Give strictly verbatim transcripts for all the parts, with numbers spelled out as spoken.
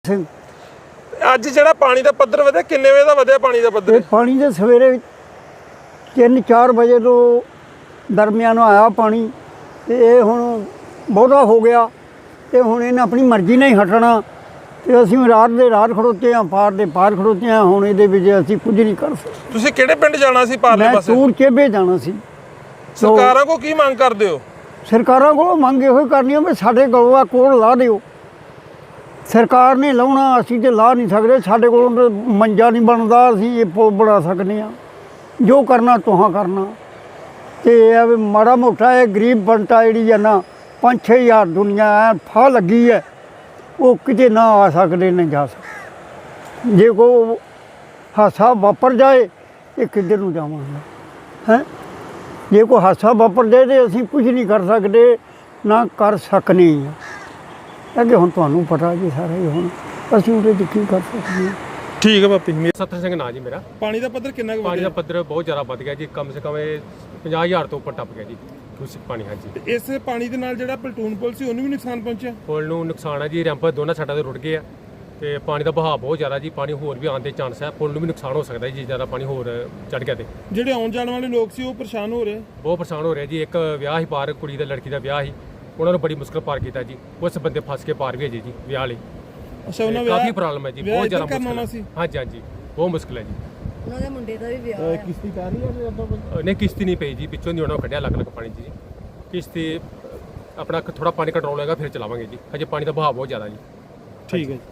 ਸਿੰਘ ਅੱਜ ਜਿਹੜਾ ਪਾਣੀ ਦਾ ਪੱਧਰ ਵਧਿਆ ਕਿੰਨੇ ਵਜੇ ਦਾ ਵਧਿਆ ਪਾਣੀ ਦਾ ਪੱਧਰ? ਇਹ ਪਾਣੀ ਦੇ ਸਵੇਰੇ ਤਿੰਨ ਚਾਰ ਵਜੇ ਤੋਂ ਦਰਮਿਆਨ ਆਇਆ ਪਾਣੀ ਤੇ ਇਹ ਹੁਣ ਬਹੁਤਾ ਹੋ ਗਿਆ ਤੇ ਹੁਣ ਇਹਨੇ ਆਪਣੀ ਮਰਜ਼ੀ ਨਾਲ ਹੀ ਹਟਣਾ ਤੇ ਅਸੀਂ ਰਾਤ ਦੇ ਰਾਤ ਖੜੋਤੇ ਹਾਂ, ਪਾਰ ਦੇ ਪਾਰ ਖੜੋਤੇ ਹਾਂ। ਹੁਣ ਇਹਦੇ ਵਿੱਚ ਅਸੀਂ ਕੁਝ ਨਹੀਂ ਕਰ ਸਕਦੇ। ਤੁਸੀਂ ਕਿਹੜੇ ਪਿੰਡ ਜਾਣਾ ਸੀ ਪਾਰਲੇ ਮੈਂ ਪਾਸੇ? ਟੂਰ ਚੇਬੇ ਜਾਣਾ ਸੀ। ਸਰਕਾਰਾਂ ਕੋ ਕੀ ਮੰਗ ਕਰਦੇ ਹੋ? ਸਰਕਾਰਾਂ ਕੋਲੋਂ ਮੰਗ ਇਹੋ ਹੀ ਕਰਨੀ ਵੀ ਸਾਡੇ ਕੋਲੋਂ ਆ ਕੋਲ ਲਾ ਦਿਓ। ਸਰਕਾਰ ਨੇ ਲਾਉਣਾ, ਅਸੀਂ ਤੇ ਲਾ ਨਹੀਂ ਸਕਦੇ। ਸਾਡੇ ਕੋਲੋਂ ਮੰਜਾ ਨਹੀਂ ਬਣਦਾ, ਅਸੀਂ ਇਹ ਪੁਲ ਬਣਾ ਸਕਦੇ ਹਾਂ। ਜੋ ਕਰਨਾ ਤੁਹਾਂ ਕਰਨਾ ਤੇ ਇਹ ਵੀ ਮਾੜਾ ਮੋਟਾ ਇਹ ਗਰੀਬ ਬੰਟਾ ਜਿਹੜੀ ਹੈ ਨਾ ਪੰਜ ਛੇ ਹਜ਼ਾਰ ਦੁਨੀਆ ਐ ਫਾਹ ਲੱਗੀ ਹੈ, ਉਹ ਕਿਤੇ ਨਾ ਆ ਸਕਦੇ ਨਾ ਜਾ ਸਕਦੇ। ਜੇ ਕੋ ਹਾਸਾ ਵਾਪਰ ਜਾਏ ਇਹ ਕਿੱਧਰ ਨੂੰ ਜਾਵਾਂਗੇ ਹੈਂ? ਜੇ ਕੋਈ ਹਾਸਾ ਵਾਪਰ ਜਾਏ ਤੇ ਅਸੀਂ ਕੁਝ ਨਹੀਂ ਕਰ ਸਕਦੇ, ਨਾ ਕਰ ਸਕਨੇ ਹਾਂ। ਅੱਗੇ ਹੁਣ ਤੁਹਾਨੂੰ ਪਤਾ ਜੀ ਸਾਰਾ ਹੀ, ਹੁਣ ਅਸੀਂ ਉਹਦੇ 'ਚ ਕੀ ਕਰ ਸਕਦੇ ਹਾਂ। ਠੀਕ ਹੈ ਬਾਪੀ। ਸੱਤਰ ਸਿੰਘ ਨਾਂ ਜੀ ਮੇਰਾ। ਪਾਣੀ ਦਾ ਪੱਧਰ ਕਿੰਨਾ ਕੁ ਪਾਣੀ ਦਾ ਵਧਿਆ? ਪੱਧਰ ਬਹੁਤ ਜ਼ਿਆਦਾ ਵੱਧ ਗਿਆ ਜੀ, ਕਮ ਸੇ ਕਮ ਇਹ ਪੰਜਾਹ ਹਜ਼ਾਰ ਤੋਂ ਉੱਪਰ ਟੱਪ ਗਿਆ ਜੀ ਉਸ ਪਾਣੀ। ਹਾਂਜੀ, ਇਸ ਪਾਣੀ ਦੇ ਨਾਲ ਜਿਹੜਾ ਪਲਟੂਨ ਪੁਲ ਸੀ ਉਹਨੂੰ ਵੀ ਨੁਕਸਾਨ ਪਹੁੰਚਿਆ? ਪੁਲ ਨੂੰ ਨੁਕਸਾਨ ਹੈ ਜੀ, ਰੈਂਪ ਦੋਨਾਂ ਸਾਈਡਾਂ ਤੇ ਰੁੜ ਗਏ ਆ ਤੇ ਪਾਣੀ ਦਾ ਵਹਾਅ ਬਹੁਤ ਜ਼ਿਆਦਾ ਜੀ, ਪਾਣੀ ਹੋਰ ਵੀ ਆਉਣ ਦੇ ਚਾਂਸ ਹੈ। ਪੁਲ ਨੂੰ ਵੀ ਨੁਕਸਾਨ ਹੋ ਸਕਦਾ ਜੀ, ਜ਼ਿਆਦਾ ਪਾਣੀ ਹੋਰ ਚੜ ਗਿਆ ਤੇ ਜਿਹੜੇ ਆਉਣ ਜਾਣ ਵਾਲੇ ਲੋਕ ਸੀ ਉਹ ਪਰੇਸ਼ਾਨ ਹੋ ਰਹੇ? ਬਹੁਤ ਪਰੇਸ਼ਾਨ ਹੋ ਰਿਹਾ ਜੀ। ਇੱਕ ਵਿਆਹ ਹੀ ਪਾਰ, ਕੁੜੀ ਦਾ ਲੜਕੀ ਦਾ ਵਿਆਹ ਸੀ, ਉਹਨਾਂ ਨੂੰ ਬੜੀ ਮੁਸ਼ਕਲ ਪਾਰ ਕੀਤਾ ਜੀ। ਉਸ ਬੰਦੇ ਫਸ ਕੇ ਪਾਰ ਵੀ ਹੈ ਜੀ ਵਿਆਹ ਲਈ। ਅੱਛਾ, ਉਹਨਾਂ ਕਾਫੀ ਪ੍ਰੋਬਲਮ ਹੈ ਜੀ, ਬਹੁਤ ਜ਼ਿਆਦਾ ਮੁਸ਼ਕਲ ਹੈ। ਹੈ। ਹਾਂਜੀ ਹਾਂਜੀ, ਬਹੁਤ ਮੁਸ਼ਕਲ ਹੈ ਜੀ। ਉਹਨਾਂ ਦੇ ਮੁੰਡੇ ਦਾ ਵੀ ਵਿਆਹ ਹੈ। ਕਿਸ਼ਤੀ ਕਰ ਰਹੀ ਹੈ? ਨਹੀਂ, ਕਿਸ਼ਤੀ ਨਹੀਂ ਪਈ ਜੀ, ਪਿੱਛੋਂ ਦੀ ਉਹਨਾਂ ਕੱਢਿਆ ਲੱਗ ਲੱਗ ਪਾਣੀ ਜੀ। ਕਿਸ਼ਤੀ ਆਪਣਾ ਥੋੜਾ ਪਾਣੀ ਕੰਟਰੋਲ ਹੋਏਗਾ ਫਿਰ ਚਲਾਵਾਂਗੇ ਜੀ, ਹਜੇ ਪਾਣੀ ਦਾ ਵਹਾਅ ਬਹੁਤ ਜ਼ਿਆਦਾ ਜੀ। ਠੀਕ ਹੈ।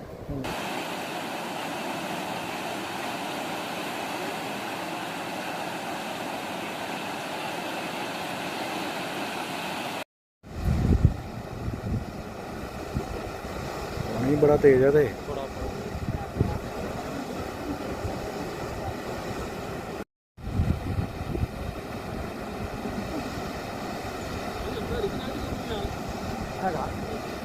ਪਾਣੀ ਬੜਾ ਤੇਜ਼ ਹੈ ਤੇ ਹੈਗਾ